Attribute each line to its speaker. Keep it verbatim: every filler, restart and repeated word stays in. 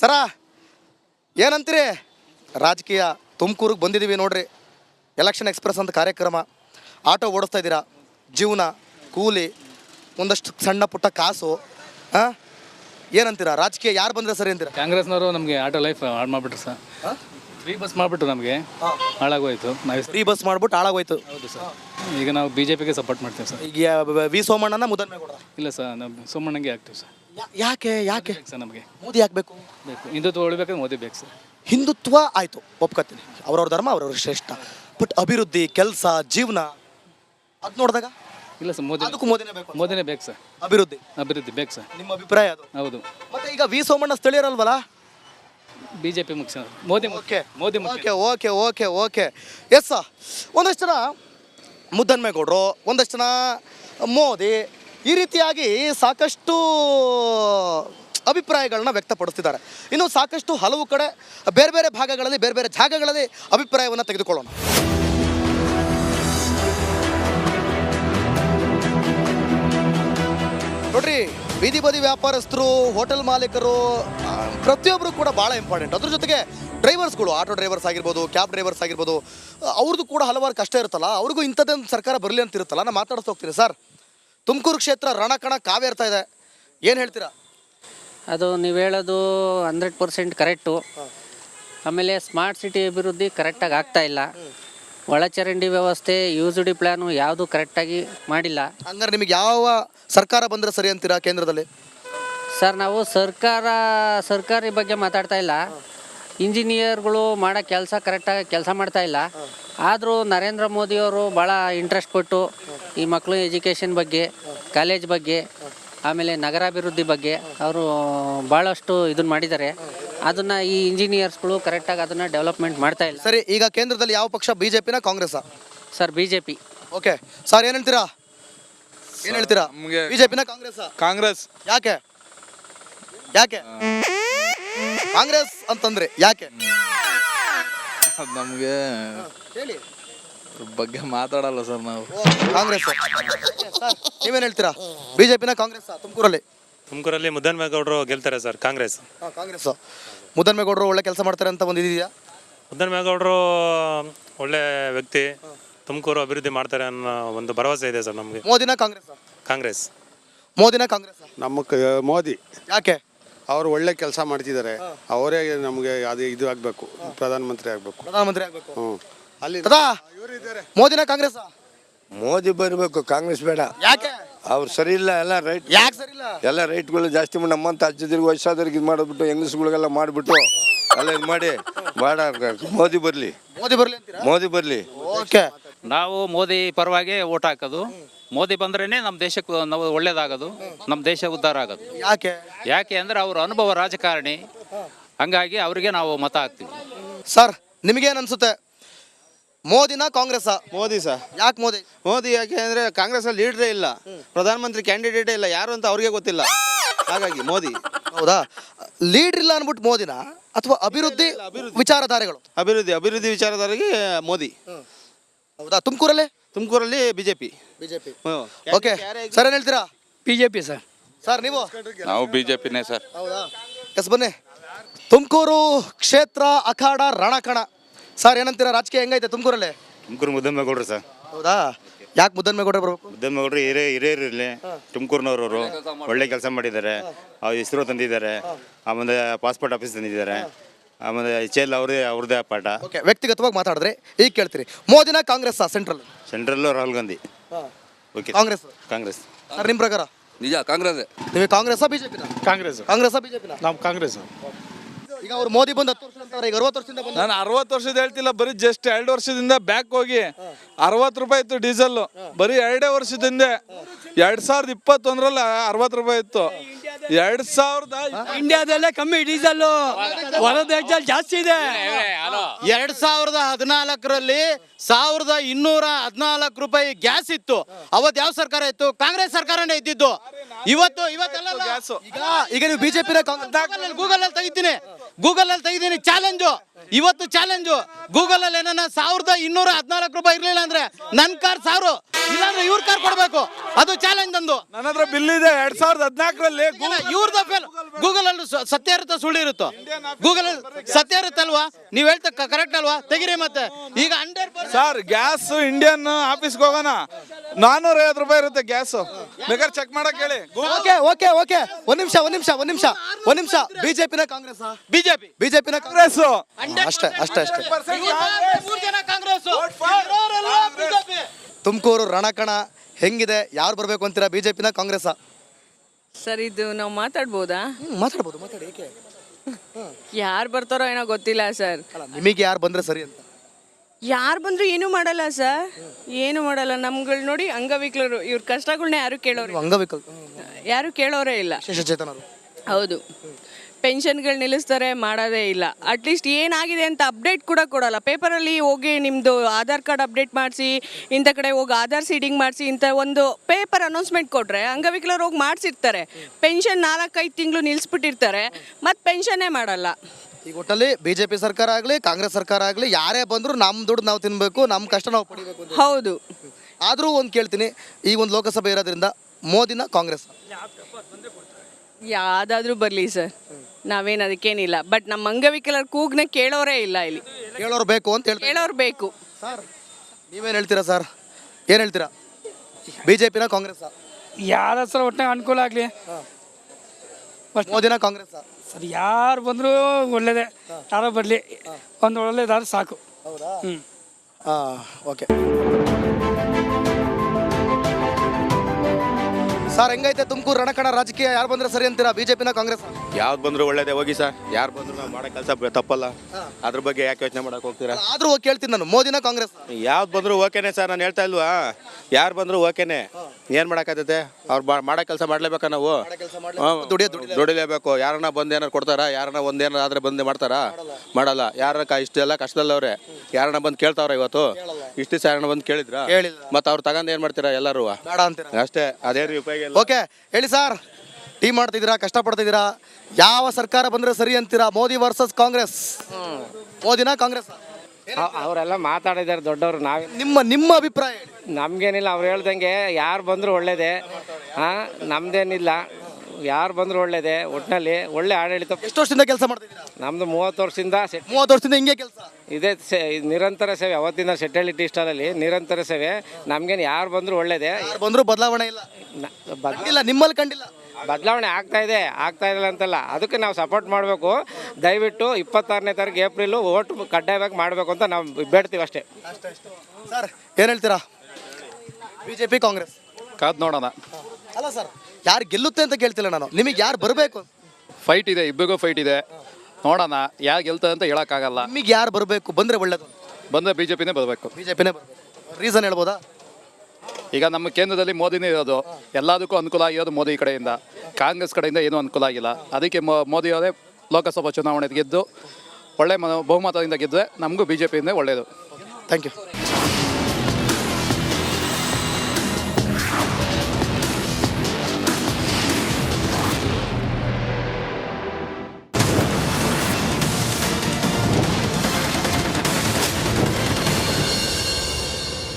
Speaker 1: ಸರ ಏನಂತೀರಿ? ರಾಜಕೀಯ ತುಮಕೂರಿಗೆ ಬಂದಿದ್ದೀವಿ ನೋಡ್ರಿ. ಎಲೆಕ್ಷನ್ ಎಕ್ಸ್ಪ್ರೆಸ್ ಅಂತ ಕಾರ್ಯಕ್ರಮ. ಆಟೋ ಓಡಿಸ್ತಾ ಇದ್ದೀರಾ, ಜೀವನ ಕೂಲಿ ಒಂದಷ್ಟು ಸಣ್ಣ ಪುಟ್ಟ ಕಾಸು. ಹಾಂ, ಏನಂತೀರಾ? ರಾಜಕೀಯ ಯಾರು ಬಂದರೆ ಸರಿ ಅಂತೀರಾ?
Speaker 2: ಕಾಂಗ್ರೆಸ್ನವರು ನಮಗೆ ಆಟೋ ಲೈಫ್ ಹಾಳು ಮಾಡಿಬಿಟ್ರು ಸರ್. ಫ್ರೀ ಬಸ್ ಮಾಡಿಬಿಟ್ಟು ನಮಗೆ ಹಾಳಾಗೋಯ್ತು. ನಾವು
Speaker 1: ಫ್ರೀ ಬಸ್ ಮಾಡ್ಬಿಟ್ಟು ಹಾಳಾಗೋಯ್ತು.
Speaker 2: ಹೌದು ಸರ್. ಈಗ ನಾವು ಬಿ ಜೆ ಪಿಗೆ ಸಪೋರ್ಟ್ ಮಾಡ್ತೀವಿ ಸರ್.
Speaker 1: ಈಗ ವಿ ಸೋಮಣ್ಣನ ಮುದ್ದನ್ಮೇಗೌಡ?
Speaker 2: ಇಲ್ಲ ಸರ್, ನಾವು ಸೋಮಣ್ಣಂಗೆ ಆಗ್ತೀವಿ ಸರ್.
Speaker 1: ಯಾಕೆ ಯಾಕೆ
Speaker 2: ಸರ್ ನಮಗೆ
Speaker 1: ಮೋದಿ ಯಾಕಬೇಕು?
Speaker 2: ಬೇಕು, ಹಿಂದುತ್ವ ಉಳಿಬೇಕಾದ್ರೆ ಮೋದಿ ಬೇಕು ಸರ್.
Speaker 1: ಹಿಂದುತ್ವ ಆಯಿತು, ಒಪ್ಕೊತೀನಿ, ಅವ್ರವ್ರ ಧರ್ಮ ಅವ್ರವ್ರ ಶ್ರೇಷ್ಠ. ಬಟ್ ಅಭಿವೃದ್ಧಿ, ಕೆಲಸ, ಜೀವನ ಅದು ನೋಡಿದಾಗ
Speaker 2: ಇಲ್ಲ ಸರ್, ಮೋದಿ
Speaker 1: ಅದಕ್ಕೂ ಮೋದಿನೇ ಬೇಕು.
Speaker 2: ಮೋದಿನೇ ಬೇಕು ಸರ್.
Speaker 1: ಅಭಿವೃದ್ಧಿ
Speaker 2: ಅಭಿವೃದ್ಧಿ ಬೇಕು ಸರ್.
Speaker 1: ನಿಮ್ಮ ಅಭಿಪ್ರಾಯ ಅದು?
Speaker 2: ಹೌದು.
Speaker 1: ಮತ್ತೆ ಈಗ ವಿ ಸೋಮಣ್ಣ ಸ್ಥಳೀಯರಲ್ವಲ್ಲ?
Speaker 2: ಬಿ ಜೆ ಪಿ ಮುಖ್ಯ, Modi
Speaker 1: okay
Speaker 2: Modi
Speaker 1: okay okay okay okay yes sir. ಒಂದಷ್ಟು ಜನ ಮುದ್ದನ್ಮೇಗೌಡರು, ಒಂದಷ್ಟು ಜನ ಮೋದಿ, ಈ ರೀತಿಯಾಗಿ ಸಾಕಷ್ಟು ಅಭಿಪ್ರಾಯಗಳನ್ನ ವ್ಯಕ್ತಪಡಿಸ್ತಿದ್ದಾರೆ. ಇನ್ನು ಸಾಕಷ್ಟು ಹಲವು ಕಡೆ ಬೇರೆ ಬೇರೆ ಭಾಗಗಳಲ್ಲಿ ಬೇರೆ ಬೇರೆ ಜಾಗಗಳಲ್ಲಿ ಅಭಿಪ್ರಾಯವನ್ನು ತೆಗೆದುಕೊಳ್ಳೋಣ. ನೋಡ್ರಿ, ಬೀದಿ ಬದಿ ವ್ಯಾಪಾರಸ್ಥರು, ಹೋಟೆಲ್ ಮಾಲೀಕರು, ಪ್ರತಿಯೊಬ್ಬರು ಕೂಡ ಭಾಳ ಇಂಪಾರ್ಟೆಂಟ್. ಅದ್ರ ಜೊತೆಗೆ ಡ್ರೈವರ್ಸ್ಗಳು, ಆಟೋ ಡ್ರೈವರ್ಸ್ ಆಗಿರ್ಬೋದು, ಕ್ಯಾಬ್ ಡ್ರೈವರ್ಸ್ ಆಗಿರ್ಬೋದು, ಅವ್ರದ್ದು ಕೂಡ ಹಲವಾರು ಕಷ್ಟ ಇರುತ್ತಲ್ಲ, ಅವ್ರಿಗೂ ಇಂಥದ್ದೊಂದು ಸರ್ಕಾರ ಬರಲಿ ಅಂತ ಇರುತ್ತಲ್ಲ. ನಾನು ಮಾತಾಡ್ತಾ ಹೋಗ್ತೀನಿ ಸರ್. ತುಮಕೂರು ಕ್ಷೇತ್ರ ರಣಕಣ ಕಾವೇ ಇರ್ತಾ ಇದೆ, ಏನು ಹೇಳ್ತೀರಾ?
Speaker 3: ಅದು ನೀವು ಹೇಳೋದು ಹಂಡ್ರೆಡ್ ಪರ್ಸೆಂಟ್ ಕರೆಕ್ಟು. ಆಮೇಲೆ ಸ್ಮಾರ್ಟ್ ಸಿಟಿ ಅಭಿವೃದ್ಧಿ ಕರೆಕ್ಟಾಗಿ ಆಗ್ತಾಯಿಲ್ಲ. ಒಳಚರಂಡಿ ವ್ಯವಸ್ಥೆ, ಯೂಸ್ ಡಿ ಪ್ಲ್ಯಾನು ಯಾವುದು ಕರೆಕ್ಟಾಗಿ ಮಾಡಿಲ್ಲ.
Speaker 1: ಹಂಗಾರೆ ನಿಮಗೆ ಯಾವ ಸರ್ಕಾರ ಬಂದರೆ ಸರಿ ಅಂತೀರಾ ಕೇಂದ್ರದಲ್ಲಿ?
Speaker 3: ಸರ್, ನಾವು ಸರ್ಕಾರ ಸರ್ಕಾರಿ ಬಗ್ಗೆ ಮಾತಾಡ್ತಾ ಇಲ್ಲ. ಇಂಜಿನಿಯರ್ಗಳು ಮಾಡೋ ಕೆಲಸ ಕರೆಕ್ಟಾಗಿ ಕೆಲಸ ಮಾಡ್ತಾ ಇಲ್ಲ. ಆದರೂ ನರೇಂದ್ರ ಮೋದಿಯವರು ಭಾಳ ಇಂಟ್ರೆಸ್ಟ್ ಕೊಟ್ಟು ಈ ಮಕ್ಕಳು ಎಜುಕೇಷನ್ ಬಗ್ಗೆ, ಕಾಲೇಜ್ ಬಗ್ಗೆ, ಆಮೇಲೆ ನಗರಾಭಿವೃದ್ಧಿ ಬಗ್ಗೆ ಅವರು ಭಾಳಷ್ಟು ಇದನ್ನು ಮಾಡಿದ್ದಾರೆ. ಅದನ್ನು ಈ ಇಂಜಿನಿಯರ್ಸ್ಗಳು ಕರೆಕ್ಟಾಗಿ ಅದನ್ನು ಡೆವಲಪ್ಮೆಂಟ್ ಮಾಡ್ತಾ ಇಲ್ಲ.
Speaker 1: ಸರಿ, ಈಗ ಕೇಂದ್ರದಲ್ಲಿ ಯಾವ ಪಕ್ಷ, ಬಿ ಜೆ ಪಿನ ಕಾಂಗ್ರೆಸ್ಸಾ?
Speaker 3: Sir, B J P.
Speaker 1: Okay sir, ಏನು ಹೇಳ್ತೀರಾ? ಏನು ಹೇಳ್ತೀರಾ? ಬಿ ಜೆ ಪಿನ ಕಾಂಗ್ರೆಸ್ಸಾ?
Speaker 4: ಕಾಂಗ್ರೆಸ್.
Speaker 1: ಯಾಕೆ ಯಾಕೆ ಕಾಂಗ್ರೆಸ್ ಅಂತಂದ್ರೆ ಯಾಕೆ?
Speaker 4: ಅದು ನಮಗೆ
Speaker 1: ಹೇಳಿ.
Speaker 4: ಬಗ್ಗೆ ಮಾತಾಡಲ್ಲ ಸರ್ ನಾವು.
Speaker 1: ಕಾಂಗ್ರೆಸ್. ಸರ್, ನೀವೇನು ಹೇಳ್ತೀರಾ? ಬಿ ಜೆ ಪಿನ ಕಾಂಗ್ರೆಸ್ಸಾ ತುಮಕೂರಲ್ಲಿ?
Speaker 5: ತುಮಕೂರಲ್ಲಿ ಮುದ್ದನ್ಮೇಗೌಡರು ಗೆಲ್ತಾರೆ ಸರ್, ಕಾಂಗ್ರೆಸ್.
Speaker 1: ಹಾಂ, ಕಾಂಗ್ರೆಸ್. ಮುದ್ದನ್ಮೇಗೌಡರು ಒಳ್ಳೆ ಕೆಲಸ ಮಾಡ್ತಾರೆ ಅಂತ ಒಂದು ಇದೆಯಾ?
Speaker 5: ಮುದ್ದನ್ಮೇಗೌಡರು ಒಳ್ಳೆ ವ್ಯಕ್ತಿ, ತುಮಕೂರು ಅಭಿವೃದ್ಧಿ ಮಾಡ್ತಾರೆ ಅನ್ನೋ ಒಂದು ಭರವಸೆ ಇದೆ ಸರ್ ನಮಗೆ.
Speaker 1: ಮೋದಿನ ಕಾಂಗ್ರೆಸ್?
Speaker 5: ಕಾಂಗ್ರೆಸ್.
Speaker 1: ಮೋದಿನ ಕಾಂಗ್ರೆಸ್?
Speaker 6: ನಮ್ಮ ಮೋದಿ.
Speaker 1: ಯಾಕೆ?
Speaker 6: ಅವರು ಒಳ್ಳೆ ಕೆಲಸ ಮಾಡ್ತಿದ್ದಾರೆ. ಅವರೇ ನಮಗೆ ಅದು ಇದು ಆಗಬೇಕು, ಪ್ರಧಾನಮಂತ್ರಿ ಆಗಬೇಕು.
Speaker 1: ಪ್ರಧಾನಮಂತ್ರಿ ಆಗಬೇಕು.
Speaker 6: ಹ್ಞೂ. ಅಲ್ಲಿ
Speaker 1: ಮೋದಿನ ಕಾಂಗ್ರೆಸ್?
Speaker 7: ಮೋದಿ ಬರಬೇಕು, ಕಾಂಗ್ರೆಸ್ ಬೇಡ.
Speaker 1: ಯಾಕೆ?
Speaker 7: ಅವ್ರು ಸರಿ ಇಲ್ಲ, ಎಲ್ಲ ರೈಟ್.
Speaker 1: ಯಾಕೆ ಸರಿ ಇಲ್ಲ?
Speaker 7: ಎಲ್ಲ ರೈಟ್ಗಳು ಜಾಸ್ತಿ ಮಾಡಿ ನಮ್ಮಂತ ಅಜ್ಜದಿರ್ಗೆ ವಯಸ್ಸಾದವ್ರಿಗೆ ಇದು ಮಾಡಿಬಿಟ್ಟು ಹೆಂಗಸ್ಗಳಿಗೆಲ್ಲ ಮಾಡಿಬಿಟ್ಟು ಎಲ್ಲ ಇದು ಮಾಡಿ ಬೇಡ. ಮೋದಿ ಬರಲಿ.
Speaker 1: ಮೋದಿ ಬರಲಿ ಅಂತೀರಾ?
Speaker 7: ಮೋದಿ ಬರಲಿ.
Speaker 1: ಓಕೆ.
Speaker 8: ನಾವು ಮೋದಿ ಪರವಾಗಿ ಓಟ್ ಹಾಕೋದು. ಮೋದಿ ಬಂದ್ರೇ ನಮ್ಮ ದೇಶಕ್ಕೆ ನಾವು ಒಳ್ಳೇದಾಗೋದು, ನಮ್ಮ ದೇಶ ಉದ್ಧಾರ ಆಗೋದು.
Speaker 1: ಯಾಕೆ?
Speaker 8: ಯಾಕೆ ಅಂದರೆ ಅವರು ಅನುಭವ ರಾಜಕಾರಣಿ, ಹಂಗಾಗಿ ಅವರಿಗೆ ನಾವು ಮತ ಹಾಕ್ತೀವಿ.
Speaker 1: ಸರ್, ನಿಮಗೇನು ಅನ್ಸುತ್ತೆ? ಮೋದಿನ ಕಾಂಗ್ರೆಸ್?
Speaker 9: ಮೋದಿ ಸರ್.
Speaker 1: ಯಾಕೆ ಮೋದಿ?
Speaker 9: ಮೋದಿ ಯಾಕೆ ಅಂದರೆ ಕಾಂಗ್ರೆಸ್ ಅಲ್ಲಿ ಲೀಡ್ರೇ ಇಲ್ಲ, ಪ್ರಧಾನಮಂತ್ರಿ ಕ್ಯಾಂಡಿಡೇಟೇ ಇಲ್ಲ, ಯಾರು ಅಂತ ಅವ್ರಿಗೆ ಗೊತ್ತಿಲ್ಲ, ಹಾಗಾಗಿ ಮೋದಿ.
Speaker 1: ಹೌದಾ? ಲೀಡ್ರ್ ಇಲ್ಲ ಅನ್ಬಿಟ್ಟು ಮೋದಿನ, ಅಥವಾ ಅಭಿವೃದ್ಧಿ ವಿಚಾರಧಾರೆಗಳು?
Speaker 9: ಅಭಿವೃದ್ಧಿ ಅಭಿವೃದ್ಧಿ ವಿಚಾರಧಾರೆಗೆ ಮೋದಿ.
Speaker 1: ಹೌದಾ? ತುಮಕೂರಲ್ಲಿ?
Speaker 9: ತುಮಕೂರಲ್ಲಿ ಬಿಜೆಪಿ.
Speaker 1: ಬಿಜೆಪಿ. ಓಕೆ ಸರ್, ಏನು ಹೇಳ್ತೀರಾ?
Speaker 2: B J P sir.
Speaker 1: Sir, ನೀವು?
Speaker 4: ನಾವು ಬಿಜೆಪಿನೇ ಸರ್.
Speaker 1: ಹೌದಾ? ಎಸ್, ಬನ್ನಿ. ತುಮಕೂರು ಕ್ಷೇತ್ರ ಅಖಾಡ ರಣಕಣ. ಸರ್, ಏನಂತೀರಾ? ರಾಜಕೀಯ ಹೆಂಗೈತೆ ತುಮಕೂರಲ್ಲಿ?
Speaker 5: ತುಮಕೂರು ಮುದ್ದನ್ಮೇಗೌಡರು ಸರ್.
Speaker 1: ಹೌದಾ? ಯಾಕೆ ಮುದ್ದನ್ಮೇಗೌಡರು ಬರಬೇಕು?
Speaker 5: ಮುದ್ದನ್ಮೇಗೌಡರು ಹಿರೇ ಹಿರಿಯರು ಇರಲಿ, ತುಮಕೂರಿನವರು ಒಳ್ಳೆ ಕೆಲಸ ಮಾಡಿದ್ದಾರೆ. ಅವ್ರು ಹೆಸರು ತಂದಿದ್ದಾರೆ, ಆಮೇಲೆ ಪಾಸ್ಪೋರ್ಟ್ ಆಫೀಸ್ ತಂದಿದ್ದಾರೆ, ಆಮೇಲೆ ಎಚ್ ಎಲ್ ಅವ್ರದೇ ಅವ್ರದ್ದೇ ಪಾಠ.
Speaker 1: ಓಕೆ, ವ್ಯಕ್ತಿಗತವಾಗಿ ಮಾತಾಡಿದ್ರೆ ಈಗ ಕೇಳ್ತೀರಿ, ಮೋದಿನ ಕಾಂಗ್ರೆಸ್? ಸೆಂಟ್ರಲ್
Speaker 5: ಸೆಂಟ್ರಲ್ಲು ರಾಹುಲ್ ಗಾಂಧಿ. ಓಕೆ,
Speaker 1: ಕಾಂಗ್ರೆಸ್.
Speaker 5: ಕಾಂಗ್ರೆಸ್.
Speaker 1: ಸರ್, ನಿಮ್ಮ ಪ್ರಕಾರ?
Speaker 7: ನಿಜ, ಕಾಂಗ್ರೆಸ್.
Speaker 1: ನೀವು ಕಾಂಗ್ರೆಸ್ ಬಿಜೆಪಿನ?
Speaker 4: ಕಾಂಗ್ರೆಸ್.
Speaker 1: ಕಾಂಗ್ರೆಸ್ ಬಿಜೆಪಿನ?
Speaker 4: ನಾವು ಕಾಂಗ್ರೆಸ್.
Speaker 1: ಈಗ ಅವ್ರು ಮೋದಿ ಬಂದು ಹತ್ತು ವರ್ಷ ಅಂತಾರೆ, ಈಗ ಅರವತ್ತು ವರ್ಷದಿಂದ ಬಂದು.
Speaker 4: ನಾನು ಅರವತ್ತು ವರ್ಷದ ಹೇಳ್ತಿಲ್ಲ, ಬರೀ ಜಸ್ಟ್ ಎರಡು ವರ್ಷದಿಂದ ಬ್ಯಾಕ್ ಹೋಗಿ ಅರವತ್ತು ರೂಪಾಯಿ ಇತ್ತು ಡೀಸೆಲ್. ಬರೀ ಎರಡೇ ವರ್ಷದಿಂದ ಎರಡ್ ಸಾವಿರದ ಇಪ್ಪತ್ತೊಂದರಲ್ಲಿ ಅರವತ್ತು ರೂಪಾಯಿ ಇತ್ತು. ಎರಡ್ ಸಾವಿರದ
Speaker 2: ಇಂಡಿಯಾದಲ್ಲೇ ಕಮ್ಮಿ ಡೀಸೆಲ್, ಹೊರ ದೇಶದಲ್ಲಿ ಜಾಸ್ತಿ ಇದೆ.
Speaker 9: ಎರಡ್ ಸಾವಿರದ ಹದಿನಾಲ್ಕರಲ್ಲಿ ಸಾವಿರದ ಇನ್ನೂರ ಹದಿನಾಲ್ಕು ರೂಪಾಯಿ ಗ್ಯಾಸ್ ಇತ್ತು. ಅವತ್ತು ಯಾವ ಸರ್ಕಾರ ಇತ್ತು? ಕಾಂಗ್ರೆಸ್ ಸರ್ಕಾರನೇ ಇದ್ದಿದ್ದು. ಇವತ್ತು ಇವತ್ತೆಲ್ಲ
Speaker 1: ಈಗ ಈಗ ನೀವು ಬಿಜೆಪಿನ
Speaker 9: ಗೂಗಲ್ ಅಲ್ಲಿ ತೆಗಿತೀನಿ, ಗೂಗಲ್ ಅಲ್ಲಿ ತೆಗಿತೀನಿ ಚಾಲೆಂಜು. ಇವತ್ತು ಚಾಲೆಂಜು ಗೂಗಲ್ ಅಲ್ಲಿ ಏನ ಸಾವಿರದ ಇನ್ನೂರ ಹದಿನಾಲ್ಕು ರೂಪಾಯಿ ಇರ್ಲಿಲ್ಲ ಅಂದ್ರೆ ನನ್ ಕಾರ್ ಸಾವಿರ ಇಲ್ಲಾಂದ್ರೆ ಇವ್ರ ಕಾರ್ ಕೊಡ್ಬೇಕು. ಅದು ಚಾಲೆಂಜ್ ನಂದು.
Speaker 4: ನನ್ನ ಹತ್ರ ಬಿಲ್ ಇದೆ ಎರಡ್ ಸಾವಿರದ ಹದಿನಾಲ್ಕರಲ್ಲಿ
Speaker 9: ಇವ್ರದ ಗೂಗಲ್ ಅಲ್ಲಿ ಸ- ಸತ್ಯ ಇರುತ್ತೋ ಸುಳ್ಳು ಇರುತ್ತೋ? ಗೂಗಲ್ ಸತ್ಯ ಇರುತ್ತಲ್ವಾ? ನೀವ್ ಹೇಳ್ತ ಕರೆಕ್ಟ್ ಅಲ್ವಾ? ತೆಗಿರಿ ಮತ್ತೆ. ಈಗ ಹಂಡ್ರೆಡ್
Speaker 4: ಸರ್ ಗ್ಯಾಸ್ ಇಂಡಿಯನ್ ಆಫೀಸ್ಗೆ ಹೋಗೋಣ, ನಾನ್ನೂರ ಐವತ್ತು ರೂಪಾಯಿ ಇರುತ್ತೆ ಗ್ಯಾಸ್, ಬೇಕಾದ್ರೆ ಚೆಕ್ ಮಾಡಕ್ ಹೇಳಿ.
Speaker 1: ಓಕೆ ಓಕೆ ಓಕೆ ಒಂದ್ ನಿಮಿಷ ಒಂದ್ ನಿಮಿಷ ಒಂದ್ ನಿಮಿಷ ಒಂದ್ ನಿಮಿಷ ಬಿಜೆಪಿನ ಕಾಂಗ್ರೆಸ್
Speaker 9: ಬಿಜೆಪಿ
Speaker 1: ಬಿಜೆಪಿನ
Speaker 4: ಕಾಂಗ್ರೆಸ್
Speaker 1: ಅಷ್ಟೇ ಅಷ್ಟೇ ಅಷ್ಟೇ
Speaker 9: ಮೂರ್ ಜನ ಕಾಂಗ್ರೆಸ್, ಬಿಜೆಪಿ.
Speaker 1: ತುಮಕೂರು ರಣಕಣ ಹೆಂಗಿದೆ? ಯಾರು ಬರಬೇಕು ಅಂತೀರಾ, ಬಿಜೆಪಿನ ಕಾಂಗ್ರೆಸ್?
Speaker 10: ಸರ್ ಇದು ನಾವು ಮಾತಾಡ್ಬೋದಾ?
Speaker 1: ಮಾತಾಡ್ಬೋದು, ಮಾತಾಡಿ. ಏಕೆ?
Speaker 10: ಯಾರು ಬರ್ತಾರೋ ಏನೋ ಗೊತ್ತಿಲ್ಲ ಸರ್.
Speaker 1: ಅಲ್ಲ, ನಿಮಗೆ ಯಾರು ಬಂದ್ರೆ ಸರಿ ಅಂತ?
Speaker 10: ಯಾರು ಬಂದ್ರು ಏನೂ ಮಾಡಲ್ಲ ಸರ್, ಏನು ಮಾಡಲ್ಲ. ನಮ್ಗಳು ನೋಡಿ ಅಂಗವಿಕಲರು, ಇವ್ರ ಕಷ್ಟಗಳ್ನ ಯಾರು ಕೇಳೋರು
Speaker 1: ಅಂಗವಿಕಲ
Speaker 10: ಯಾರು ಕೇಳೋರೇ ಇಲ್ಲ.
Speaker 1: ವಿಶೇಷ ಚೇತನರು
Speaker 10: ಹೌದು, ಪೆನ್ಷನ್ಗಳು ನಿಲ್ಲಿಸ್ತಾರೆ, ಮಾಡೋದೇ ಇಲ್ಲ. ಅಟ್ಲೀಸ್ಟ್ ಏನಾಗಿದೆ ಅಂತ ಅಪ್ಡೇಟ್ ಕೂಡ ಕೊಡಲ್ಲ. ಪೇಪರಲ್ಲಿ ಹೋಗಿ ನಿಮ್ಮದು ಆಧಾರ್ ಕಾರ್ಡ್ ಅಪ್ಡೇಟ್ ಮಾಡಿಸಿ, ಇಂಥ ಕಡೆ ಹೋಗಿ ಆಧಾರ್ ಸೀಡಿಂಗ್ ಮಾಡಿಸಿ, ಇಂಥ ಒಂದು ಪೇಪರ್ ಅನೌನ್ಸ್ಮೆಂಟ್ ಕೊಟ್ಟರೆ ಅಂಗವಿಕಲರು ಹೋಗಿ ಮಾಡಿಸಿರ್ತಾರೆ. ಪೆನ್ಷನ್ ನಾಲ್ಕೈದು ತಿಂಗಳು ನಿಲ್ಲಿಸ್ಬಿಟ್ಟಿರ್ತಾರೆ, ಮತ್ತು ಪೆನ್ಷನ್ನೇ ಮಾಡಲ್ಲ.
Speaker 1: ಈಗ ಒಟ್ಟಲ್ಲಿ ಬಿಜೆಪಿ ಸರ್ಕಾರ ಆಗಲಿ ಕಾಂಗ್ರೆಸ್ ಸರ್ಕಾರ ಆಗಲಿ ಯಾರೇ ಬಂದರೂ ನಮ್ಮ ದುಡ್ಡು ನಾವು ತಿನ್ನಬೇಕು, ನಮ್ಮ ಕಷ್ಟ ನಾವು ಪಡಿಬೇಕು ಅಂತ.
Speaker 10: ಹೌದು.
Speaker 1: ಆದರೂ ಒಂದು ಕೇಳ್ತೀನಿ, ಈ ಒಂದು ಲೋಕಸಭೆ ಇರೋದ್ರಿಂದ ಮೋದಿನ ಕಾಂಗ್ರೆಸ್
Speaker 10: ಯಾವುದಾದ್ರೂ ಬರಲಿ ಸರ್, ನಾವೇನು ಅದಕ್ಕೇನಿಲ್ಲ. ಬಟ್ ನಮ್ಮ ಅಂಗವಿಕಲರ ಕೂಗ್ನ ಕೇಳೋರೇ ಇಲ್ಲ ಇಲ್ಲಿ.
Speaker 1: ಕೇಳೋರು ಬೇಕು ಅಂತ ಹೇಳ್ತಾರೆ.
Speaker 10: ಕೇಳೋರು ಬೇಕು.
Speaker 1: ಸರ್ ನೀವೇನು ಹೇಳ್ತೀರಾ ಸರ್? ಏನು ಹೇಳ್ತೀರಾ, ಬಿಜೆಪಿನ ಕಾಂಗ್ರೆಸ್?
Speaker 2: ಯಾರ ಹತ್ರ ಒಟ್ಟಿನ ಅನುಕೂಲ ಆಗಲಿ,
Speaker 1: ಮೋದಿನ ಕಾಂಗ್ರೆಸ್?
Speaker 2: ಸರ್ ಯಾರು ಬಂದರೂ ಒಳ್ಳೇದೇ, ಯಾರೋ ಬರಲಿ, ಒಂದು ಒಳ್ಳೇದಾದ್ರೆ ಸಾಕು.
Speaker 1: ಹೌದಾ?
Speaker 2: ಹ್ಞೂ
Speaker 1: ಹಾಂ, ಓಕೆ. ಸರ್ ಹೆಂಗೈತೆ ತುಮಕೂರು ರಣಕಣ ರಾಜಕೀಯ? ಯಾರು ಬಂದ್ರೆ ಸರಿ ಅಂತೀರಾ, ಬಿಜೆಪಿನ ಕಾಂಗ್ರೆಸ್?
Speaker 5: ಯಾವ್ದು ಬಂದ್ರು ಒಳ್ಳೇದೇ, ಹೋಗಿ ಸರ್. ಯಾರು ಬಂದ್ರು ನಾವು ಮಾಡೋ ಕೆಲಸ ತಪ್ಪಲ್ಲ, ಅದ್ರ ಬಗ್ಗೆ ಯಾಕೆ ಯೋಚನೆ ಮಾಡಕ್ ಹೋಗ್ತೀರಾ?
Speaker 1: ಆದ್ರೂ ಕೇಳ್ತೀನಿ ನಾನು, ಮೋದಿನ ಕಾಂಗ್ರೆಸ್?
Speaker 5: ಯಾವ್ದು ಬಂದ್ರು ಓಕೆನೆ ಸರ್, ನಾನು ಹೇಳ್ತಾ ಇಲ್ವಾ, ಯಾರು ಬಂದ್ರು ಓಕೆನೆ. ಏನ್ ಮಾಡಕ್ಕಾಗತ್ತೆ, ಅವ್ರು ಮಾಡೋ ಕೆಲಸ ಮಾಡ್ಲೇಬೇಕಾ ನಾವು? ಹ್ಮ್. ದುಡಿಲೇಬೇಕು. ಯಾರನ್ನ ಬಂದು ಏನಾರು ಕೊಡ್ತಾರಾ? ಯಾರನ್ನ ಒಂದೇನಾರ ಆದ್ರೆ ಬಂದು ಮಾಡ್ತಾರಾ? ಮಾಡಲ್ಲ. ಯಾರ ಇಷ್ಟೆಲ್ಲ ಕಷ್ಟದಲ್ಲವ್ರೆ, ಯಾರನ್ನ ಬಂದು ಕೇಳ್ತಾವ್ರ ಇವತ್ತು? ಇಷ್ಟು ದಿವಸ ಯಾರನ್ನ ಬಂದು ಕೇಳಿದ್ರ? ಮತ್ತೆ ಅವ್ರು ತಗೊಂಡ್ ಏನ್ ಮಾಡ್ತೀರಾ? ಎಲ್ಲರೂ
Speaker 1: ಬೇಡ ಅಂತೀರಾ?
Speaker 5: ಅಷ್ಟೇ, ಅದೇನು ಉಪಯೋಗ ಇಲ್ಲ.
Speaker 1: ಓಕೆ ಹೇಳಿ ಸರ್, ಟೀ ಮಾಡ್ತಿದ್ದೀರಾ, ಕಷ್ಟಪಡ್ತಿದ್ದೀರಾ, ಯಾವ ಸರ್ಕಾರ ಬಂದ್ರೆ ಸರಿ ಅಂತೀರಾ? ಮೋದಿ ವರ್ಸಸ್ ಕಾಂಗ್ರೆಸ್? ಮೋದಿನ ಕಾಂಗ್ರೆಸ್?
Speaker 3: ಅವರೆಲ್ಲ ಮಾತಾಡಿದ್ದಾರೆ ದೊಡ್ಡವರು. ನಾವು
Speaker 1: ನಿಮ್ಮ ನಿಮ್ಮ ಅಭಿಪ್ರಾಯ ಹೇಳಿ.
Speaker 3: ನಮಗೇನಿಲ್ಲ, ಅವ್ರು ಹೇಳ್ದಂಗೆ ಯಾರು ಬಂದರೂ ಒಳ್ಳೇದೇ. ಹಾಂ, ನಮ್ದೇನಿಲ್ಲ, ಯಾರು ಬಂದರೂ ಒಳ್ಳೇದೇ. ಒಟ್ಟಿನಲ್ಲಿ ಒಳ್ಳೆ ಆಡಳಿತ.
Speaker 1: ಎಷ್ಟು ವರ್ಷದಿಂದ ಕೆಲಸ ಮಾಡ್ತಿದ್ದೀರಾ?
Speaker 3: ನಮ್ಮದು ಮೂವತ್ತು ವರ್ಷದಿಂದ ಸೆಟ್
Speaker 1: ಮೂವತ್ತು ವರ್ಷದಿಂದ ಹಿಂಗೆ ಕೆಲಸ?
Speaker 3: ಇದೇ ಸೆ ನಿರಂತರ ಸೇವೆ. ಅವತ್ತಿಂದ ಸೆಟಲಿಟಿ ಸ್ಟಾಲಲ್ಲಿ ನಿರಂತರ ಸೇವೆ. ನಮ್ಗೇನು ಯಾರು ಬಂದರೂ ಒಳ್ಳೇದೇ.
Speaker 1: ಯಾರು ಬಂದರೂ ಬದಲಾವಣೆ ಇಲ್ಲ? ಇಲ್ಲ, ನಿಮ್ಮಲ್ಲಿ ಕಂಡಿಲ್ಲ
Speaker 3: ಬದಲಾವಣೆ ಆಗ್ತಾ ಇದೆ, ಆಗ್ತಾ ಇಲ್ಲ ಅಂತಲ್ಲ. ಅದಕ್ಕೆ ನಾವು ಸಪೋರ್ಟ್ ಮಾಡಬೇಕು. ದಯವಿಟ್ಟು ಇಪ್ಪತ್ತಾರನೇ ತಾರೀಕು ಏಪ್ರಿಲು ಓಟ್ ಕಡ್ಡಾಯವಾಗಿ ಮಾಡಬೇಕು ಅಂತ ನಾವು ಬೇಡ್ತೀವಿ ಅಷ್ಟೇ.
Speaker 1: ಸರ್ ಏನು ಹೇಳ್ತೀರಾ, ಬಿಜೆಪಿ ಕಾಂಗ್ರೆಸ್?
Speaker 2: ಕಾದು ನೋಡೋಣ.
Speaker 1: ಅಲ್ಲ ಸರ್, ಯಾರು ಗೆಲ್ಲುತ್ತೆ ಅಂತ ಕೇಳ್ತಿಲ್ಲ ನಾನು, ನಿಮಗೆ ಯಾರು ಬರಬೇಕು?
Speaker 2: ಫೈಟ್ ಇದೆ, ಇಬ್ಬರಿಗೂ ಫೈಟ್ ಇದೆ, ನೋಡೋಣ ಯಾರು ಗೆಲ್ತದೆ ಅಂತ ಹೇಳೋಕ್ಕಾಗಲ್ಲ.
Speaker 1: ನಿಮಗೆ ಯಾರು ಬರಬೇಕು, ಬಂದರೆ ಒಳ್ಳೇದು?
Speaker 2: ಬಂದರೆ ಬಿ ಜೆ ಪಿನೇ ಬರಬೇಕು.
Speaker 1: ಬಿಜೆಪಿನೇ ಬರಬೇಕು. ರೀಸನ್ ಹೇಳ್ಬೋದಾ?
Speaker 2: ಈಗ ನಮ್ಮ ಕೇಂದ್ರದಲ್ಲಿ ಮೋದಿನೇ ಇರೋದು, ಎಲ್ಲದಕ್ಕೂ ಅನುಕೂಲ ಆಗಿರೋದು ಮೋದಿ ಕಡೆಯಿಂದ. ಕಾಂಗ್ರೆಸ್ ಕಡೆಯಿಂದ ಏನೂ ಅನುಕೂಲ ಆಗಿಲ್ಲ. ಅದಕ್ಕೆ ಮೋದಿಯವರೇ ಲೋಕಸಭಾ ಚುನಾವಣೆ ಗೆದ್ದು ಒಳ್ಳೆ ಬಹುಮತದಿಂದ ಗೆದ್ದರೆ ನಮಗೂ ಬಿ ಜೆ ಪಿಯಿಂದ ಒಳ್ಳೆಯದು.
Speaker 1: Thank you.